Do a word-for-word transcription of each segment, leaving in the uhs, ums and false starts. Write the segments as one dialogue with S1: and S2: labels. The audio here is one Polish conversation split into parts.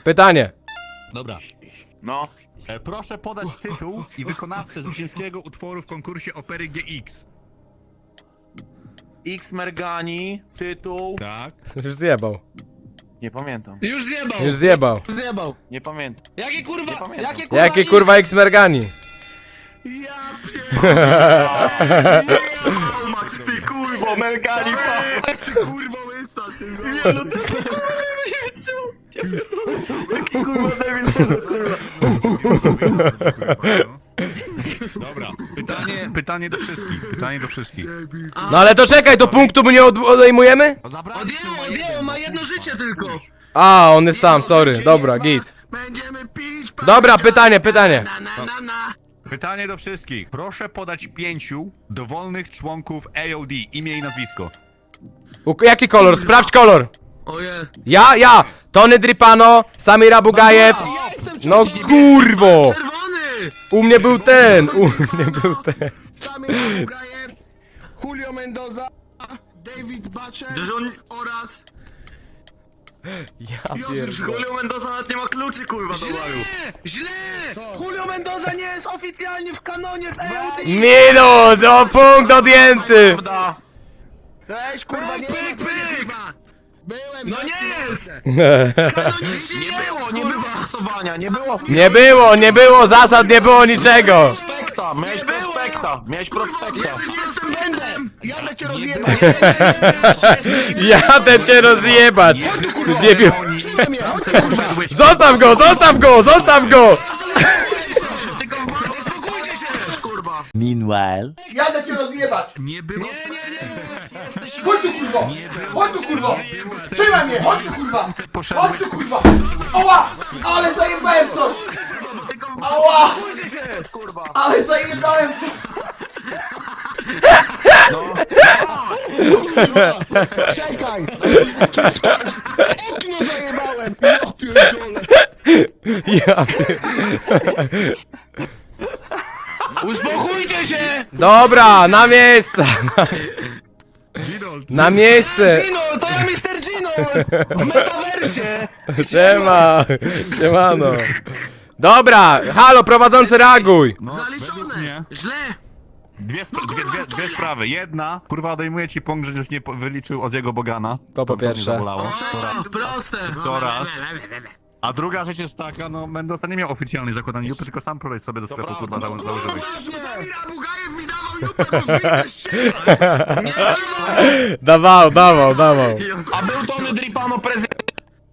S1: Pytanie.
S2: Dobra.
S3: No.
S2: E, proszę podać tytuł i wykonawcę zwycięskiego utworu w konkursie opery G X.
S3: X Mergani, tytuł...
S2: Tak.
S1: Już zjebał.
S3: Nie pamiętam.
S4: Już zjebał!
S1: Już zjebał.
S4: Już zjebał!
S3: Nie pamiętam.
S4: Jakie
S3: Nie
S4: kurwa,
S3: pamiętam.
S4: jakie kurwa
S1: Jakie
S4: X?
S1: kurwa X-Mergani?
S2: Ja
S3: Max, ty kurwo, Mergani,
S2: pierdolę, ty kurwa łysa, ty
S3: Nie no, ty kurwa, nie wytrzymał. Jaki kurwa debil, kurwa.
S2: Dobra, pytanie, pytanie do wszystkich, pytanie do wszystkich.
S1: No ale to czekaj, do punktu mu nie od odejmujemy?
S2: No zabrali
S4: Odjęło,
S2: ci
S4: odjęło, ma jedno życie tylko!
S1: A, on jest tam, sorry. Dobra, git.
S4: Będziemy pić,
S1: Dobra, pytanie, pytanie.
S4: Na, na, na, na.
S2: Pytanie do wszystkich. Proszę podać pięciu dowolnych członków A O D, imię i nazwisko.
S1: U jaki kolor? Sprawdź kolor.
S4: Oje.
S1: Ja, ja. Tony Dripano, Samir Abugajew.
S4: Ja jestem
S1: No
S4: czerwony.
S1: kurwo.
S4: Czerwony!
S1: U mnie był ten, u mnie był ten.
S4: Samir Abugajew, Julio Mendoza, David Butcher oraz...
S1: Ja
S4: Józef
S1: pierdolę.
S3: Julio Mendoza nawet nie ma kluczy, kurwa, do
S4: Źle!
S3: baru.
S4: Źle! Julio Mendoza nie jest oficjalnie w kanonie w E O D!
S1: Minus, o punkt odjęty.
S3: Prawda?
S4: Weź kurwa, nie pyk, pyk! Byłem
S3: No nie jest!
S4: Kanonicznie
S3: Nie było, nie było głosowania, nie było.
S1: Nie było, nie było zasad, nie było niczego.
S3: Prospekta, miałeś prospekta, miałeś prospekta.
S4: Jestem będem! Jadę cię rozjebać!
S1: Jadę cię rozjebać. Nie wiem.
S4: Trzymaj mnie!
S1: Zostaw go, zostaw go, zostaw go.
S4: Uspokójcie się!
S3: Kurwa.
S5: Meanwhile.
S6: Jadę cię rozjebać!
S2: Nie było...
S4: Nie, nie, nie!
S6: Chodź tu kurwo! Chodź tu kurwo! Trzymaj mnie! Chodź tu kurwa! Chodź tu kurwa! Oła! Ale zajebałem coś! Ała! Ale zajebałem coś! Czekaj! Okno zajebałem! Ja pierdolę!
S1: Ja.
S4: Uspokójcie się!
S1: Dobra, na miejsce. Na miejsce.
S4: Gino, to ja mister Gino! W metaversie!
S1: Siema. Siemano. Dobra, halo, prowadzący, reaguj.
S2: No, według
S4: Zaliczone!
S2: mnie
S4: Źle!
S2: dwie, spra- dwie, dwie, dwie sprawy. Jedna, kurwa odejmuje ci punkt, że już nie po- wyliczył Oziego Bogana.
S1: To po
S2: mnie
S1: pierwsze.
S2: zabolało.
S4: Przestań, proste!
S2: To raz. A druga rzecz jest taka, no Mendoza nie miał oficjalnej zakładanej jupy, tylko sam kolej sobie do sklepu kurwa zało- założyłeś.
S4: Samir Abugajew mi dawał jutro, bo wyjdziesz się! Nie dawaj!
S1: Dawał, dawał, dawał.
S3: A był Tony Dripano prezydent.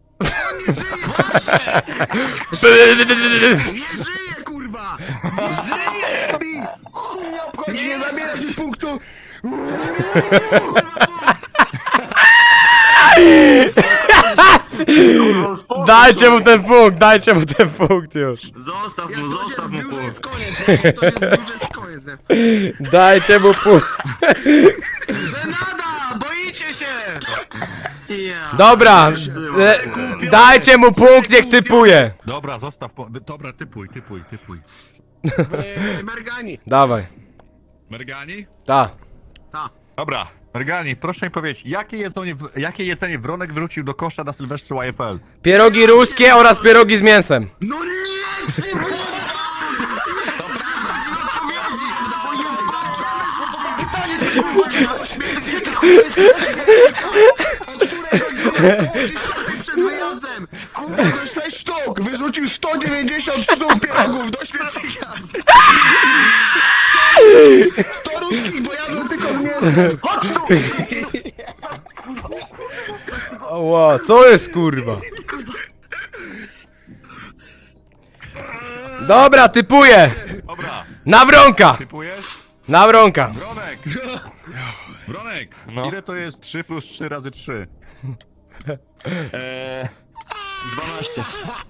S4: Nie żyje, kurwa! Nie żyje! Chuj mnie obchodzi, nie zabierasz mi punktu!
S1: Dajcie mu ten punkt, dajcie mu ten punkt już.
S3: Zostaw
S4: Jak
S3: mu,
S4: to się
S3: zostaw mu
S4: zbiórze,
S3: pół.
S4: jest koniec, nie? To się zbiórze, jest koniec, nie?
S1: Dajcie mu punkt.
S4: Żenada! Boicie się!
S1: Dobra, e, dajcie mu punkt, niech typuje.
S2: Dobra, zostaw po... Dobra, typuj, typuj, typuj.
S4: Eee, Mergani.
S1: Dawaj,
S2: Mergani?
S1: ta.
S2: Dobra, Mergani, proszę mi powiedzieć, jakie jedzenie, jakie jedzenie Wronek wrzucił do kosza na Sylwestrze Y F L?
S1: Pierogi ruskie oraz pierogi z mięsem.
S4: No nie! Ty przed wyjazdem! Kurwa, sześć sztuk! Wyrzucił sto dziewięćdziesiąt sztuk pierogów do świecika! sto ruskich, bo jadłem tylko z mięsem! Chodź tu!
S1: Ła, co jest kurwa? Dobra, typuję.
S2: Dobra,
S1: Nawronka,
S2: typujesz?
S1: nawronka.
S2: Wronek! Wronek! Ile to jest trzy plus trzy razy trzy?
S3: Eee, dwanaście.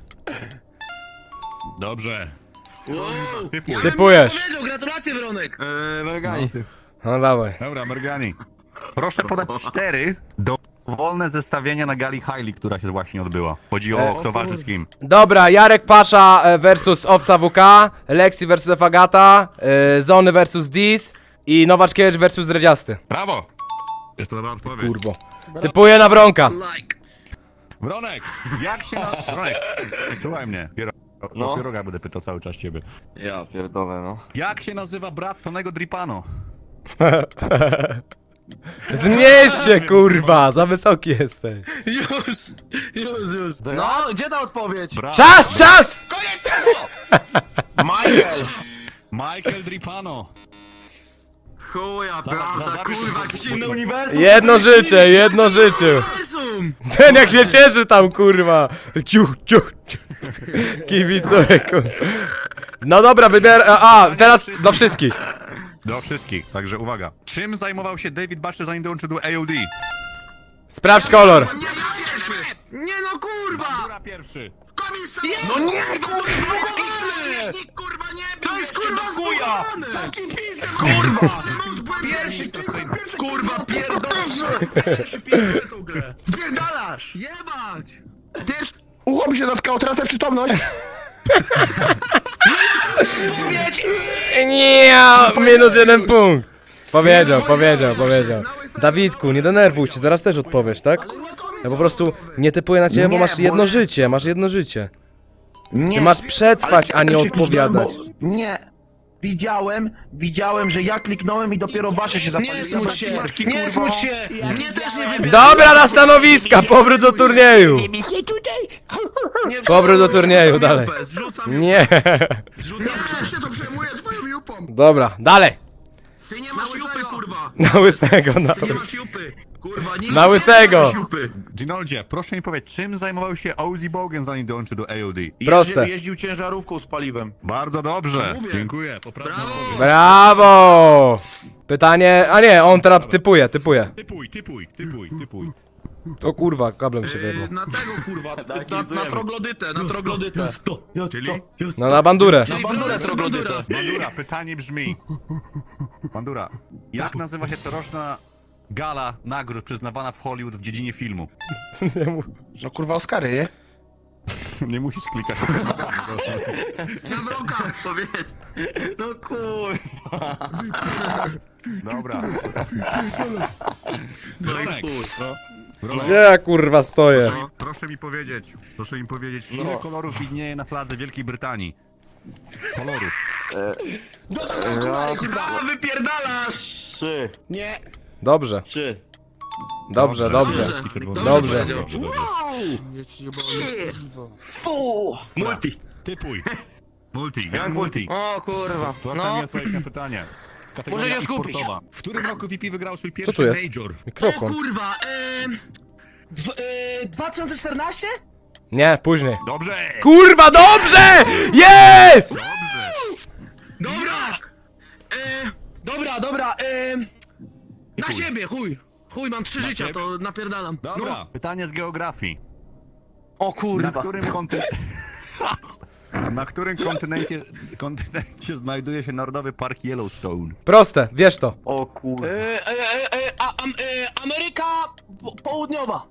S2: Dobrze.
S4: Wow.
S2: Typuj.
S4: Ja bym
S1: Typujesz.
S4: nie powiedział, gratulacje, Wronek!
S3: Eee, Mergani.
S1: No dawaj.
S2: Dobra, Mergani. Proszę podać cztery dowolne zestawienia na gali Hailey, która się właśnie odbyła. Chodzi o kto walczy z kim.
S1: Dobra, Jarek Pasza e, versus Owca W K, Lexi versus Efagata, e, Zony versus Dis i Nowaczkiewicz versus Dredziasty.
S2: Brawo! Jest to dobra odpowiedź.
S1: Kurwo. Typuję Nawronka.
S4: Like.
S2: Wronek, jak się na... Wronek, słuchaj mnie. Piero...
S3: No.
S2: No. Pieroga będę pytał cały czas ciebie.
S3: Ja pierdolę, no.
S2: Jak się nazywa brat Tonego Dripano?
S1: Zmieście, kurwa, za wysoki jesteś.
S3: Już, już, już. No, gdzie ta odpowiedź?
S2: Brat...
S1: Czas, czas!
S3: Michael!
S2: Michael Dripano.
S3: Chuja,
S2: Dobra,
S3: prawda,
S2: dobra,
S3: kurwa,
S2: dobra.
S3: jakiś inny uniwersum!
S1: Jedno życie, jedno życie.
S3: Uniwersum!
S1: Ten jak się cieszy tam, kurwa. Ciu, ciu, ciu. Kibicuję, kurwa. No dobra, wybier... A, teraz do wszystkich.
S2: Do wszystkich, także uwaga. Czym zajmował się David Batcher zanim dołączył do A O D?
S1: Sprawdź kolor.
S3: Nie no, kurwa!
S2: Bandura pierwszy.
S4: Komisarz!
S3: No nie, to jest zbugowane!
S4: Kurwa, nie
S3: To jest kurwa
S4: chuja!
S3: zbugowane!
S4: Taki pizdę, kurwa! Pierwszy,
S3: Kurwa, pierdolę! Przypisuję tą grę.
S4: Wpierdalasz!
S3: Jebać!
S4: Wiesz, ucho mi się zatkało, tracę przytomność.
S1: Nie, minus jeden punkt. Powiedział, powiedział, powiedział. Dawidku, nie denerwuj się, zaraz też odpowiesz, tak? Ja po prostu nie typuję na ciebie, bo
S4: Nie,
S1: masz
S4: bo
S1: jedno
S4: nie-
S1: życie, masz jedno życie.
S4: Nie.
S1: Ty masz przetrwać, a nie
S4: Ale-
S1: odpowiadać.
S4: Bo- Nie. Widziałem, widziałem, że ja kliknąłem i dopiero wasze się zapaliło.
S3: Nie smuć się! Nie smuć się! Mnie też nie wybierz!
S1: Dobra, na stanowiska, powrót do turnieju.
S3: Nie,
S1: Powrót do turnieju,
S3: zrzucam
S1: dalej.
S3: jupę, Zrzucam
S1: Nie.
S3: Zrzucam
S4: Ja się to przejmuję twoją jupą.
S1: Dobra, dalej.
S4: Ty nie
S3: Na
S4: masz
S3: jupy,
S4: łysego.
S3: kurwa!
S1: Na łysego, na
S3: Nie
S1: łysego.
S3: masz jupy! Kurwa, nie
S1: Na
S3: masz
S1: łysego.
S3: jupy!
S2: Ginoldzie, proszę mi powiedzieć, czym zajmował się Ozzy Bogan zanim dołączył do A O D?
S1: Proste.
S5: Jeździł ciężarówką z paliwem.
S2: Bardzo dobrze.
S3: Mówię.
S2: Dziękuję. Poprawna
S3: Brawo.
S2: odpowiedź.
S1: Brawo. Pytanie, a nie, on teraz typuje, typuje.
S2: Typuj, typuj, typuj, typuj.
S1: O kurwa, kablem się
S3: Yy,
S1: wyjebał.
S3: na tego kurwa, na, na troglodytę, na troglodytę.
S2: Czyli?
S1: No na bandurę.
S3: Czyli bandura, troglodyta.
S2: Bandura, pytanie brzmi. Bandura, jak nazywa się coroczna gala nagród przyznawana w Hollywood w dziedzinie filmu?
S4: No kurwa Oscary, nie?
S2: Nie musisz klikać.
S4: Na wrokach.
S3: Powiedz. No kurwa.
S2: Dobra.
S3: No i
S2: Ronek,
S3: chuj.
S2: Ronek,
S1: Gdzie ja kurwa stoję?
S2: proszę mi powiedzieć, proszę mi powiedzieć, ile kolorów widnieje na fladze Wielkiej Brytanii? Kolorów.
S4: Do zakończenia, kurwa.
S3: A wypierdalasz!
S5: Trzy.
S4: Nie.
S1: Dobrze,
S5: Trzy.
S1: dobrze, dobrze.
S2: Czerwony.
S1: Dobrze.
S2: Dobrze, dobrze.
S4: Nic nie boli.
S3: Multi.
S2: Typuj. Multi, jak multi.
S5: O kurwa.
S2: Proszę
S5: No.
S2: mi odpowiedzieć na pytanie. Kategoria
S5: Muszę się skupić.
S2: sportowa. W którym roku V P wygrał swój
S1: Co
S2: pierwszy
S1: tu jest?
S2: major?
S3: O
S1: Mikrofon.
S3: kurwa, eee...
S4: Dw, y, dwa tysiące czternaście?
S1: Nie, później.
S2: Dobrze!
S1: Kurwa, dobrze! Jest!
S2: Dobrze!
S3: Dobra! Eee...
S4: Dobra, dobra, y,
S3: Na siebie, chuj! Chuj, mam trzy życia,
S2: siebie?
S3: to napierdalam.
S2: Dobra,
S3: No.
S2: pytanie z geografii.
S5: O
S2: Na
S5: kurwa.
S2: którym kontynencie... Na którym kontynencie, kontynencie znajduje się Narodowy Park Yellowstone?
S1: Proste, wiesz to.
S5: O kurwa.
S4: y, y, y, y, a, am, y, Ameryka po, Południowa.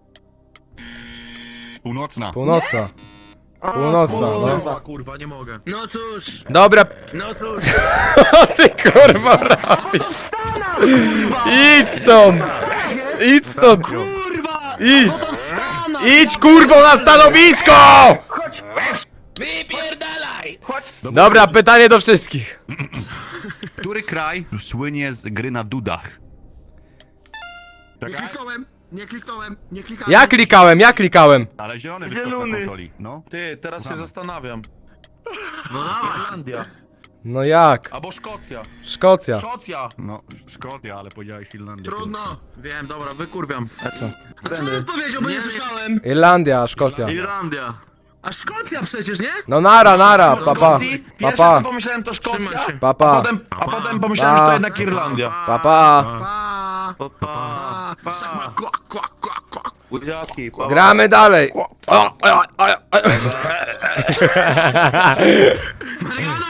S2: Północna.
S1: Północna. Północna, no.
S3: Kurwa, kurwa, nie mogę. No cóż,
S1: Dobra,
S3: no cóż.
S1: co ty kurwa robisz? Idź stąd! Idź stąd!
S3: Kurwa!
S1: Idź!
S3: To Stana!
S1: Idź kurwo na stanowisko!
S4: Chodź.
S3: Wypierdalaj!
S1: Dobra, pytanie do wszystkich.
S2: Który kraj słynie z gry na dudach?
S4: Nie
S2: Czekaj,
S4: kliknąłem, nie kliknąłem, nie klikałem.
S1: Ja klikałem, ja klikałem.
S2: ale zielony wyskok na
S5: Zielony.
S2: konsoli. No.
S5: Ty, teraz się zastanawiam.
S3: No dawaj.
S5: Irlandia.
S1: No jak?
S5: Albo Szkocja.
S1: Szkocja.
S5: Szkocja.
S2: No, Szkocja, ale powiedziałeś Finlandia.
S4: Trudno.
S3: Wiem, dobra, wykurwiam.
S1: Co?
S3: A co on powiedział, bo nie, słyszałem?
S1: Irlandia, Szkocja.
S3: Irlandia. A Szkocja przecież, nie?
S1: No nara, nara, papa.
S5: Szkocji? Pierwsze
S1: Papa.
S5: co pomyślałem to Szkocja.
S3: Trzymaj się.
S5: A
S1: Papa.
S5: potem, a potem pomyślałem, że
S1: Pa.
S5: to jednak Irlandia.
S1: Papa.
S4: Pa.
S3: Pa, pa,
S4: Pa. Sakma, kwa, kwa, kwa, kwa.
S5: Łydziaki. pa.
S1: Gramy dalej. O, o, o, o, o.
S3: Mariano!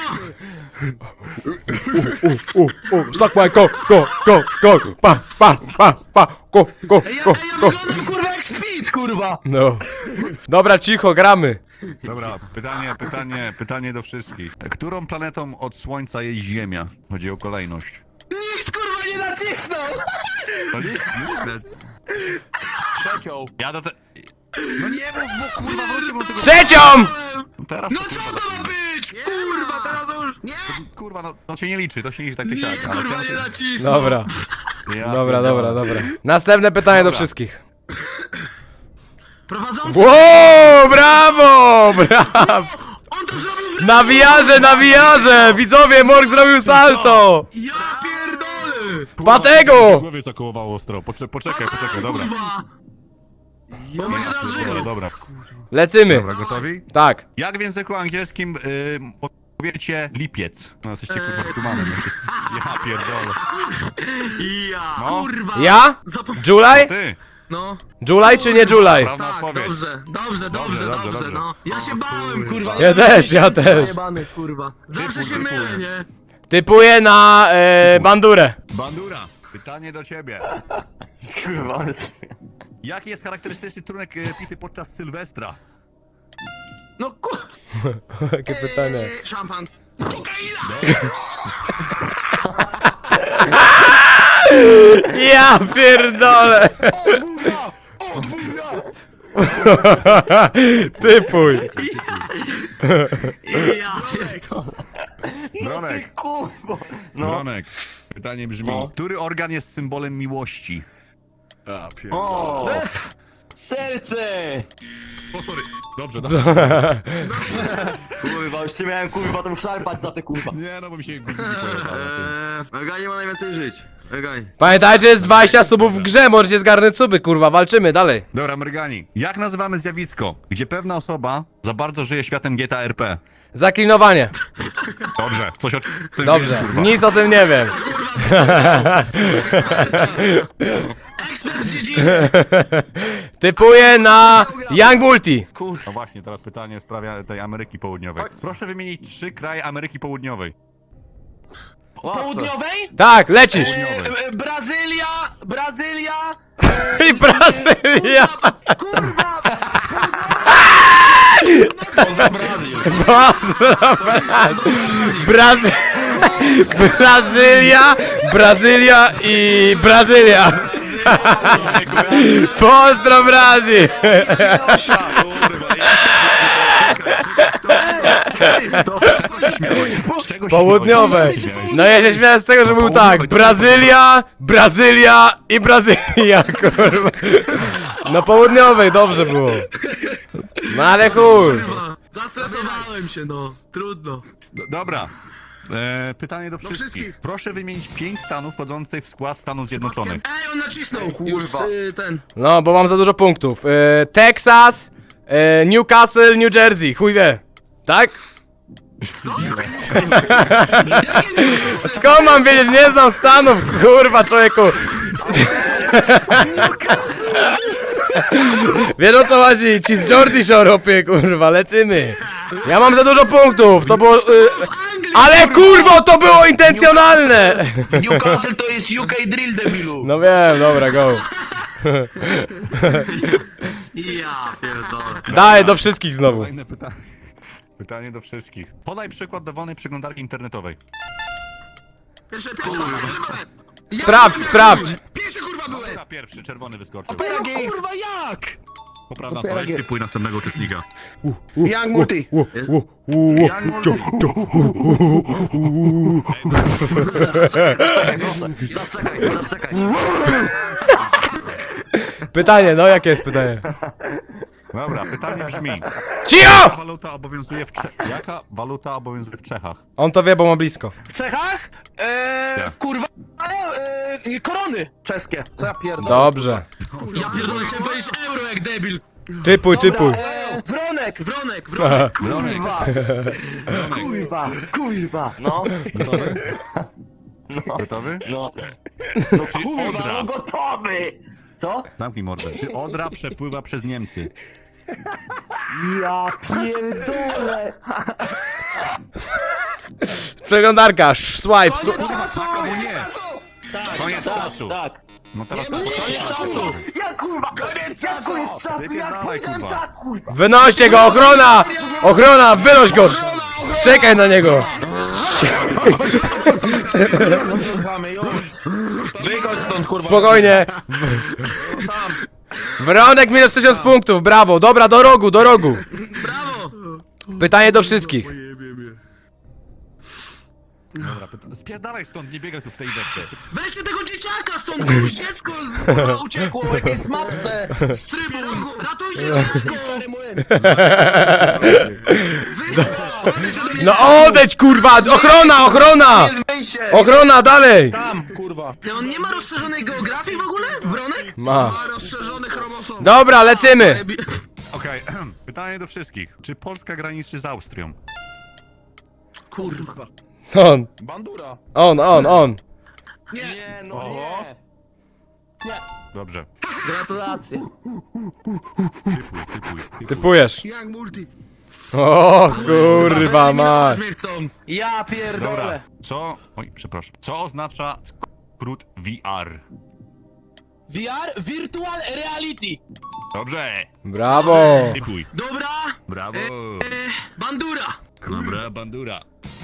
S1: U, u, suck my cock, go, go, go, pa, pa, pa, pa, go, go,
S3: Ej, ja,
S1: go,
S3: ej, ja
S1: go.
S3: wyglądam kurwa jak Speed, kurwa!
S1: No. Dobra, cicho, gramy.
S2: Dobra, pytanie, pytanie, pytanie do wszystkich. Którą planetą od Słońca jest Ziemia? Chodzi o kolejność.
S3: Nikt kurwa nie nacisnął!
S2: To nie- nie-
S5: Trzecią.
S2: Ja do te... No nie mów, bo kurwa wróćcie mu do tego...
S1: Trzecią!
S2: No teraz
S4: No
S2: to,
S4: co
S2: kurwa,
S4: to ma być? Kurwa, teraz to już... Nie!
S2: kurwa, no to się nie liczy, to się nie liczy tak czy
S4: Nie,
S2: siak. ale
S4: kurwa,
S2: teraz-
S4: nie nacisnął.
S1: Dobra,
S2: Ja
S1: dobra,
S2: pierdolę.
S1: dobra, dobra. Następne pytanie do
S2: Dobra.
S1: wszystkich.
S4: Prowadzący...
S1: Wow, brawo, brawo!
S4: On to zrobił w...
S1: Na wiarze, na wiarze! Widzowie, Morg zrobił salto!
S4: Ja pierdolę!
S1: Patego!
S2: W głowie zakołowało ostro, Pocze poczekaj, poczekaj, dobra.
S4: Kurwa! Bo będzie teraz
S2: Dobra,
S4: żył.
S2: dobra.
S1: Lecimy.
S2: Dobra, gotowi?
S1: Tak.
S2: Jak w języku angielskim y, powiecie lipiec? No jesteście kurwa tumanem. Ja pierdolę.
S4: Ja,
S2: No.
S4: kurwa!
S1: Ja?
S4: Zapom...
S1: July?
S2: Ty!
S4: No,
S1: July czy nie July?
S2: Prawda
S4: tak,
S2: odpowiedź.
S4: dobrze, dobrze, dobrze,
S2: Dobrze,
S4: dobrze,
S2: dobrze,
S4: no. Ja się bałem, kurwa.
S1: Ja też, ja też.
S3: Jebany, kurwa.
S4: Zawsze się
S2: Typu, typu.
S4: mylę, nie?
S1: Typuję na e, bandurę.
S2: Bandura, pytanie do ciebie.
S3: Kurwa, on jest...
S2: Jaki jest charakterystyczny trunek y, pity podczas Sylwestra?
S3: No kur...
S1: Jakie pytanie.
S4: Eee, Szampan.
S1: Ja pierdolę. Typuj.
S4: Ja pierdolę.
S2: Bronek,
S3: Kurwa! No.
S2: Bronek, pytanie brzmi,
S3: No.
S2: który organ jest symbolem miłości? A,
S3: O! Serce!
S2: O, sorry. Dobrze, dobrze.
S3: Kurwa, już cię miałem kurwa tam szarpać za te kurwa.
S2: Nie, no bo mi się guziki pojechały.
S3: Eee, Eganie ma najwięcej żyć. Eganie.
S1: Pamiętajcie, jest dwadzieścia subów w grze, możecie zgarnąć suby, kurwa, walczymy dalej.
S2: Dobra, Mrygani. Jak nazywamy zjawisko, gdzie pewna osoba za bardzo żyje światem G T A R P?
S1: Zaklinowanie.
S2: Dobrze, coś o tym
S1: Dobrze,
S2: wiesz, kurwa.
S1: nic o tym nie wiem.
S4: Ekspert w dziedzinie.
S1: Typuję na Young Multi.
S2: No właśnie, teraz pytanie w sprawie tej Ameryki Południowej. Proszę wymienić trzy kraje Ameryki Południowej.
S3: Południowej?
S1: Tak, lecisz.
S2: Południowej.
S3: E, e, Brazylia! Brazylia!
S1: I Brazylia.
S4: Kurwa!
S1: Brazy... Brazylia, Brazylia i Brazylia. Pozdro Brazil. Południowe. No ja się śmiałem z tego, że był tak. Brazylia, Brazylia i Brazylia, kurwa. No południowej, dobrze było. No ale chuj.
S4: Zastresowałem się, no. Trudno.
S2: D- Dobra. E, pytanie do wszystkich.
S4: wszystkich.
S2: Proszę wymienić pięć stanów wchodzących w skład Stanów Zjednoczonych.
S4: Ej, on nacisnął.
S3: Już
S4: Kurwa.
S3: y, ten.
S1: No, bo mam za dużo punktów. E, Texas, e, Newcastle, New Jersey, chuj wie. Tak?
S4: Co?
S1: Skąd mam wiedzieć? Nie znam Stanów, kurwa, człowieku. Wiesz o co chodzi? Ci z Jordy Shore, opie, kurwa, lecimy. Ja mam za dużo punktów, to było... Y, ale kurwo, to było intencjonalne!
S3: Newcastle to jest U K drill debilu.
S1: No wiem, dobra, go.
S4: Ja pierdolę.
S1: Daj, do wszystkich znowu.
S2: Kolejne pytanie. Pytanie do wszystkich. Podaj przykład dowolnej przeglądarki internetowej.
S4: Pierwsze, pierwsze, pierwsze byłem. Ja
S1: Sprawdź,
S4: pierwszy
S1: sprawdź.
S4: byłem. Pierwszy kurwa byłem.
S2: Dobra, pierwszy, czerwony wyskoczył.
S3: Kurwa jak?
S2: Poprawna odpowiedź, typuj następnego uczestnika.
S4: Young Multi.
S1: U, u, u, u.
S3: Zaczekaj, zaczekaj.
S1: Pytanie, no jakie jest pytanie?
S2: Dobra, pytanie brzmi. Jaka
S1: Cicho!
S2: waluta obowiązuje w, Cze- Jaka waluta obowiązuje w Czechach?
S1: On to wie, bo ma blisko.
S3: W Czechach? Eee,
S2: Tak.
S3: kurwa. Eee, korony czeskie. Co ja pierdolę?
S1: Dobrze.
S4: Ja pierdolę, chciałem powiedzieć euro jak debil.
S1: Typuj, typuj.
S3: Eee, Wronek.
S4: Wronek, wronek.
S3: Kurwa. Kurwa. Kurwa. No.
S2: Gotowy?
S3: No.
S2: Gotowy?
S3: No. No kurwa,
S2: Odra?
S3: no gotowy. Co?
S2: Zamknij mordę. Czy Odra przepływa przez Niemcy?
S3: Ja pierdolę.
S1: Przeglądarka, sz- swipe, su-
S3: Tak,
S2: Koniec
S3: tak,
S2: czasu.
S3: tak.
S2: No teraz
S4: Koniec czasu.
S3: Ja kurwa, koniec czasu jest czasu, jak
S2: Wypierdalaj,
S3: powiedziałem
S2: kurwa.
S3: tak, kurwa.
S1: Wynoście go, ochrona! Ochrona, wynoś go! Czekaj na niego!
S3: Wychodź stąd, kurwa.
S1: Spokojnie! Wronek minus tysiąc punktów, brawo. Dobra, do rogu, do rogu.
S4: Brawo!
S1: Pytanie do wszystkich.
S2: Dobra, pyta- spierdalaj stąd, nie biegaj tu w tej depce.
S4: Weźcie tego dzieciaka stąd, bo już dziecko z, kurwa, uciekło jakiejś matce z trybun! Ratujcie dziecko! Stary młyn! Odejdź ode mnie!
S1: No odejdź, kurwa! Ochrona, ochrona!
S3: Nie zmyj się!
S1: Ochrona, dalej!
S3: Tam, kurwa.
S4: Ty, on nie ma rozszerzonej geografii w ogóle? Wronek?
S1: Ma.
S4: Ma rozszerzony chromosom.
S1: Dobra, lecymy.
S2: Okej, pytanie do wszystkich. Czy Polska graniczy z Austrią?
S4: Kurwa.
S1: On,
S3: Bandura.
S1: on, on, on.
S3: Nie, no
S2: Oho.
S3: nie.
S2: Dobrze.
S3: Gratulacje.
S2: Typuj, typuj, typuj.
S1: Typujesz.
S4: Jak multi.
S1: O kurwa ma.
S4: mnie chcą.
S3: Ja
S2: Dobra,
S3: pierdolę.
S2: co... Oj, przepraszam. Co oznacza skrót V R?
S4: V R? Virtual Reality.
S2: Dobrze.
S1: Brawo.
S2: Typuj.
S4: Dobra.
S2: Brawo.
S4: Bandura.
S2: Dobra, bandura.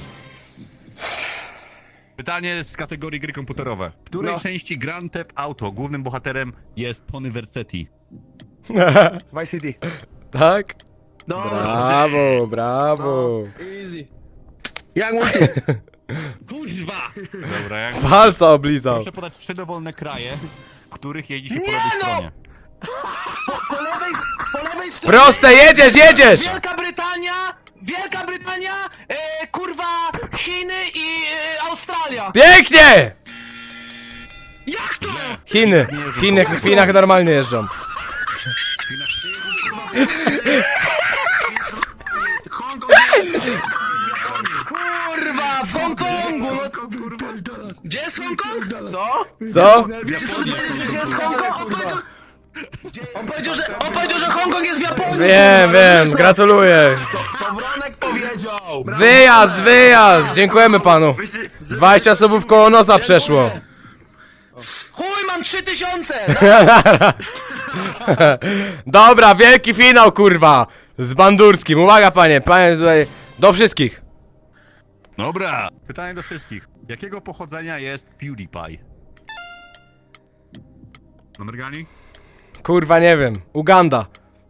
S2: Pytanie z kategorii gry komputerowe. W której
S3: No.
S2: części Grand Theft Auto głównym bohaterem jest Tony Vercetti?
S3: Vice City.
S1: Tak?
S3: Dobra.
S1: Brawo, brawo.
S4: Easy.
S3: Jak multi.
S4: Kurwa.
S2: Dobra, jak...
S1: Palca oblizał.
S2: Proszę podać trzy dowolne kraje, w których jeździ się po
S4: Nie
S2: lewej
S4: no!
S2: stronie.
S4: Po lewej, po lewej stronie.
S1: Proste, jedziesz, jedziesz!
S4: Wielka Brytania, Wielka Brytania, e, kurwa, Chiny i e, Australia.
S1: Pięknie!
S4: Jak to?
S1: Chiny. Chiny, w Chinach normalnie jeżdżą.
S4: Kurwa, w Hongkongu. Gdzie jest Hongkong? Co?
S1: Co?
S4: Czy chcesz powiedzieć, że gdzie jest Hongkong? On powiedział, on powiedział, że, on powiedział, że Hongkong jest w Japonii.
S1: Wiem, wiem, gratuluję.
S3: To Wronek powiedział.
S1: Wyjazd, wyjazd! Dziękujemy panu. dwadzieścia subów koło nosa przeszło.
S4: Chuj, mam trzy tysiące.
S1: Dobra, wielki finał, kurwa! Z Bandurskim. Uwaga, panie, panie tutaj. Do wszystkich.
S2: Dobra. Pytanie do wszystkich. Jakiego pochodzenia jest PewDiePie? Numergani?
S1: Kurwa, nie wiem. Uganda.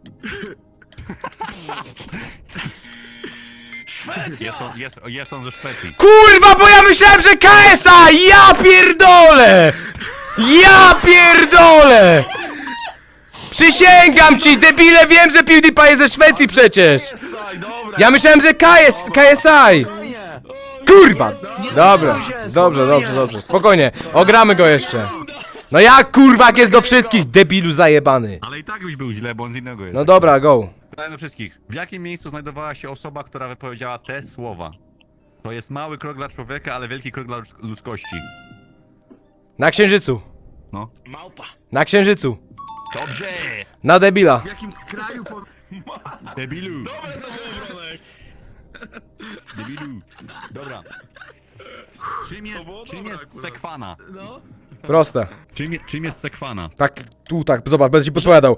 S2: Jest on, jest, jest on ze Szwecji.
S1: Kurwa, bo ja myślałem, że K S A! Ja pierdolę! Ja pierdolę! Przysięgam ci, debile, wiem, że PewDiePie jest ze Szwecji przecież!
S3: Saj, dobra.
S1: Ja myślałem, że K S, K S I! Kurwa! Dobra, dobrze, dobrze, dobrze, spokojnie, ogramy go jeszcze. No jak kurwa, jak jest do wszystkich, debilu zajebany.
S2: Ale i tak byś był źle, bo on z innego jest.
S1: No dobra, go.
S2: Pytanie do wszystkich. W jakim miejscu znajdowała się osoba, która wypowiedziała te słowa? To jest mały krok dla człowieka, ale wielki krok dla ludz- ludzkości.
S1: Na księżycu.
S2: No.
S4: Małpa.
S1: Na księżycu.
S2: Dobrze!
S1: Na debila.
S4: W jakim kraju po...
S2: Debilu! Dobre to było, Bronek! Debilu! Dobra. Czym jest, czym jest sekwana?
S1: Proste.
S2: Czym, je- czym jest sekwana?
S1: Tak, tu tak, zobacz, będę ci podpowiadał.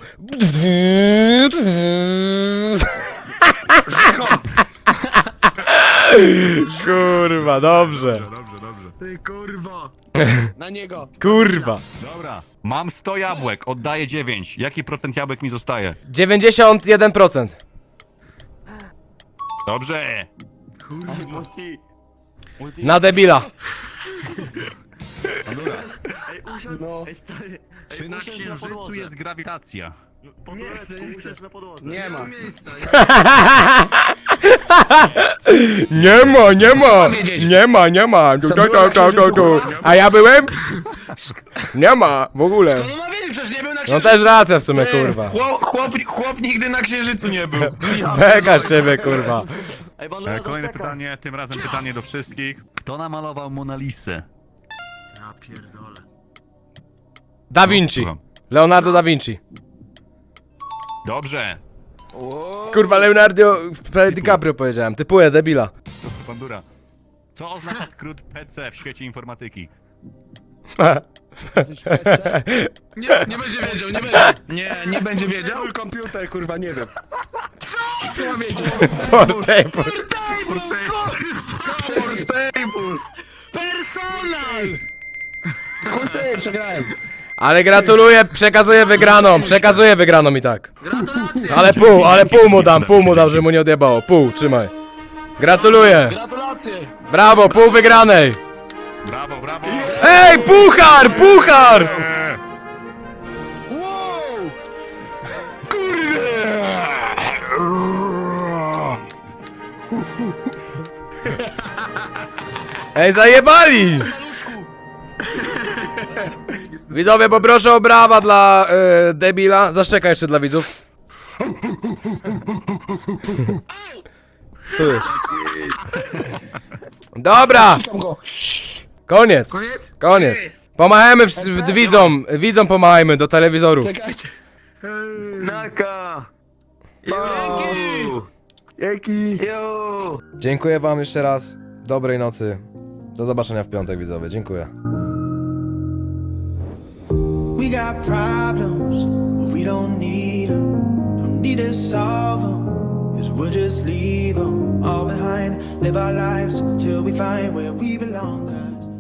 S1: Kurwa, dobrze.
S2: Dobrze, dobrze.
S4: Ty kurwa. Na niego.
S1: Kurwa.
S2: Dobra. Mam sto jabłek, oddaję dziewięć. Jaki procent jabłek mi zostaje?
S1: dziewięćdziesiąt jeden procent.
S2: Dobrze!
S3: Multi.
S1: Na debila.
S5: Ej, usiądź,
S3: No.
S5: ej stary,
S2: Czy
S5: ej,
S2: na
S5: usiądź na
S2: księżycu
S5: podłodze.
S2: jest grawitacja?
S5: Po turecku, usiądź na podłodze.
S3: Nie ma.
S1: Nie ma, nie ma. Nie ma, nie ma. Tu, tu, tu, tu, tu, tu. A ja byłem? Nie ma, w ogóle.
S4: No ma wiedzieć, przecież nie był na
S1: No
S4: księżycu.
S1: też racja w sumie, kurwa.
S3: Chłop, chłop, chłop nigdy na księżycu nie był.
S1: Beka z ciebie, kurwa.
S5: Ej, bo
S2: E, Kolejne pytanie, tym razem pytanie do wszystkich. Kto namalował Mona Lisę?
S4: Ja pierdolę.
S1: Da Vinci.
S2: Słucham.
S1: Leonardo da Vinci.
S2: Dobrze!
S1: Kurwa, Leonardo prawie DiCaprio powiedziałem. Typuję, debila.
S2: Bandura. Co oznacza skrót P C w świecie informatyki?
S4: Nie, nie będzie wiedział, nie będzie.
S3: Nie, nie będzie wiedział. Komputer, kurwa, nie wiem.
S4: Co ma wiedzieć?
S1: Portable.
S3: Portable.
S4: Personal!
S3: Chuj ty, przegrałem.
S1: Ale gratuluję, przekazuję wygraną, przekazuję wygraną i tak.
S4: Gratulacje!
S1: Ale pół, ale pół mu dam, pół mu dam, że mu nie odjebało. Pół, trzymaj. Gratuluję.
S3: Gratulacje!
S1: Brawo, pół wygranej.
S2: Brawo, brawo!
S1: Ej, puchar, puchar!
S4: Wow!
S1: Ej, zajebali! Widzowie, poproszę o brawa dla y, debila. Zaszczekaj jeszcze dla widzów. Co jest? Dobra! Koniec!
S4: Koniec?
S1: Koniec! Pomachajmy w, w, widzom, widzom pomachajmy do telewizorów.
S3: Czekajcie.
S5: Naka!
S3: Jaki?
S5: Yo!
S1: Dziękuję wam jeszcze raz. Dobrej nocy. Do zobaczenia w piątek, widzowie. Dziękuję.
S7: We got problems, but we don't need them. Don't need to solve them, cause we'll just leave them all behind. Live our lives till we find where we belong, cause